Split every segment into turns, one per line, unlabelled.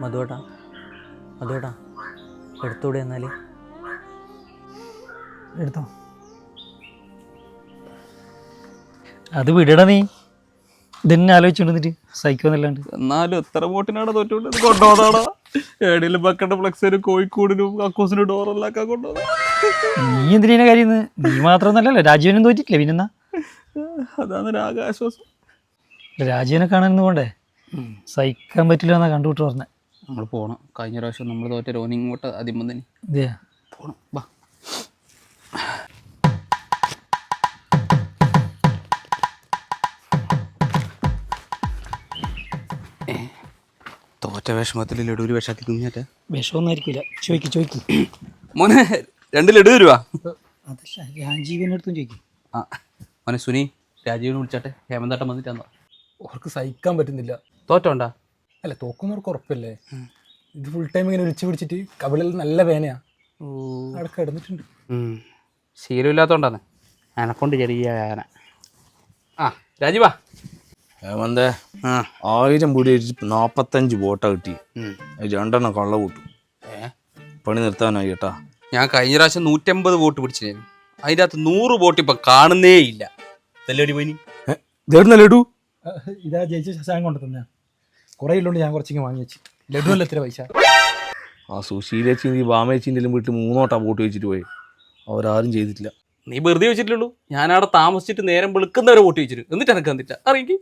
മധുവേട്ടാ മധുവേട്ടാ എടുത്തൂടെ എന്നാൽ
എടുത്തോ. അത് വിടടാ നീ. ഇതന്നെ ആലോചിച്ചോണ്ടിട്ട് സഹിക്കുന്നില്ലാണ്ട്.
എന്നാലും എത്ര ബോട്ടിനാണ് തോറ്റോണ്ട് കൊണ്ടുപോകുന്നതാടാ. ഏടിയിലും ബക്കണ്ട ഫ്ലെക്സിനും കോഴിക്കോടിനും കക്കൂസിനും ഡോറെല്ലാം കൊണ്ടുപോകുന്നത്.
നീ എന്തിനാ കാര്യം? നീ മാത്രമൊന്നല്ലല്ലോ, രാജീവനും തോറ്റിട്ടില്ലേ പിന്നെന്നാ.
അതാണ് ആകാശ്വാസം.
രാജീവനെ കാണാനൊന്നും പോണ്ടേ? സഹിക്കാൻ പറ്റില്ല എന്നാ കണ്ടുവിട്ട് പറഞ്ഞേ.
നമ്മൾ പോകണം. കഴിഞ്ഞ പ്രാവശ്യം നമ്മൾ തോറ്റ റോനിങ് ഇങ്ങോട്ട് ആദ്യം തന്നെ
ഇതേ
പോകണം. ബാ. തോറ്റ വിഷമത്തിൽ ലഡു ഒരു വിഷാക്കി തിന്നിട്ട
വിഷമൊന്നും ആയിരിക്കില്ല. ചോയ്ക്ക്
മോനെ 2 ലഡു തരുവാ.
അതല്ല, രാജീവൻ്റെ അടുത്തും ചോദിക്കും.
ആ മോനെ സുനി രാജീവിനെ വിളിച്ചാട്ടെ. ഹേമന്താട്ടം വന്നിട്ടാന്നോ?
അവർക്ക് സഹിക്കാൻ പറ്റുന്നില്ല.
തോറ്റോണ്ടാ?
അല്ല, തോക്കുന്നവർക്ക് ഉറപ്പല്ലേ. ഇത് ഫുൾ ടൈം ഇങ്ങനെ ഒളിച്ചു പിടിച്ചിട്ട് കവിളിൽ നല്ല വേനയാ. അവിടെ കിടന്നിട്ടുണ്ട്.
ശീലമില്ലാത്തോണ്ടാണ്. എനക്കൊണ്ട് ചെറിയ വേദന. ആ രാജീവാ.
ഹേമന്തേ, 1000 പൊടി 45 ബോട്ടാ കിട്ടി. 2 കള്ള കൂട്ടും. പണി നിർത്താനായി കേട്ടാ.
ഞാൻ കഴിഞ്ഞ പ്രാവശ്യം 150 ബോട്ട് പിടിച്ചിരുന്നു. അതിൻ്റെ അകത്ത് 100 ബോട്ട് ഇപ്പം കാണുന്നേ ഇല്ല. ഇതല്ലേ പോയി
ലഡു
ഇതാ ജയിച്ച ശശാങ്ക് കൊണ്ട് തന്നെ. കുറേ ഇല്ലോണ്ട് ഞാൻ കുറച്ചിങ്ങനെ വാങ്ങി വെച്ച്. ലഡു അല്ല എത്ര പൈസ.
ആ സുശീലേച്ചി ബാമേച്ചിൻ്റെ വീട്ടിൽ 3 വട്ടം ബോട്ട് വെച്ചിട്ട് പോയി. അവരാരും ചെയ്തിട്ടില്ല.
നീ വെറുതെ വെച്ചിട്ടുള്ളൂ. ഞാനവിടെ താമസിച്ചിട്ട് നേരം വെളുക്കുന്നവരെ വോട്ട് വെച്ചിട്ട് എന്നിട്ട് എനക്ക് തന്നില്ല. അറിയെങ്കിൽ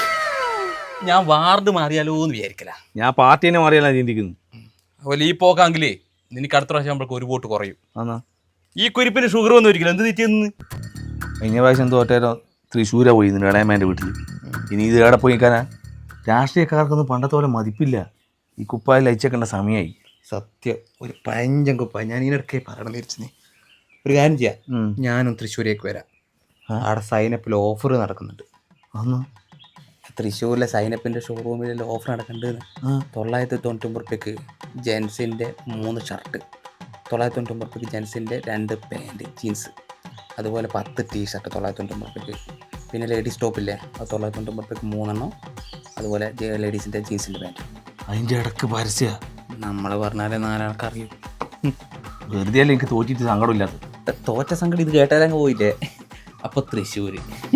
ഞാൻ വാർഡ് മാറിയാലോ എന്ന് വിചാരിക്കല.
ഞാൻ പാർട്ടീനെ മാറിയല്ല ചിന്തിക്കുന്നു.
അതുപോലെ ഈ പോക്കാങ്കിലേ നിനക്ക് അടുത്ത പ്രാവശ്യം നമ്മൾക്ക് 1 വോട്ട് കുറയും.
ആന്നാ
ഈ കുരിപ്പിന് ഷുഗർ ഒന്നും ഒരിക്കലും എന്ത് തെറ്റിയെന്ന്.
കഴിഞ്ഞ പ്രാവശ്യം തോറ്റേരോ തൃശ്ശൂരാ പോയി ഇടയമേൻ്റെ വീട്ടിൽ. ഇനി ഇത് എവിടെ പോയി നിൽക്കാനാ? രാഷ്ട്രീയക്കാർക്കൊന്നും പണ്ടത്തെ പോലെ മതിപ്പില്ല. ഈ കുപ്പായിൽ അയച്ചേക്കേണ്ട സമയമായി.
സത്യം ഒരു പഴഞ്ചൻ കുപ്പായ. ഞാൻ ഇതിനിടയ്ക്ക് പറയണം തിരിച്ചു. നീ ഒരു കാര്യം ചെയ്യാം, ഞാനും തൃശ്ശൂരേക്ക് വരാം. അവിടെ സൈനപ്പിൽ ഓഫർ നടക്കുന്നുണ്ട്.
അന്ന്
തൃശ്ശൂരിലെ സൈനപ്പിൻ്റെ ഷോറൂമിൽ ഓഫർ നടക്കുന്നുണ്ട്. 999 റുപ്യക്ക് ജെൻസിൻ്റെ 3 ഷർട്ട്, 999 റുപ്യക്ക് ജെൻസിൻ്റെ 2 പാൻറ്റ് ജീൻസ്, അതുപോലെ 10 ടീഷർട്ട് 999 റുപ്യക്ക്. പിന്നെ ലേഡീസ് ടോപ്പില്ലേ, അത് 999 റുപ്യക്ക് 3 എണ്ണം, അതുപോലെ ലേഡീസിൻ്റെ ജീൻസിൻ്റെ പാൻറ്റ്.
അതിൻ്റെ ഇടയ്ക്ക് പരസ്യ
നമ്മൾ പറഞ്ഞാലേ 4 ആൾക്ക് അറിയൂ.
വെറുതെ അല്ല എനിക്ക് തോറ്റിട്ട് സങ്കടമില്ലാത്ത.
തോറ്റ സംഗതി ഇത് കേട്ടാലങ്ങ് പോയില്ലേ. അപ്പോൾ തൃശ്ശൂർ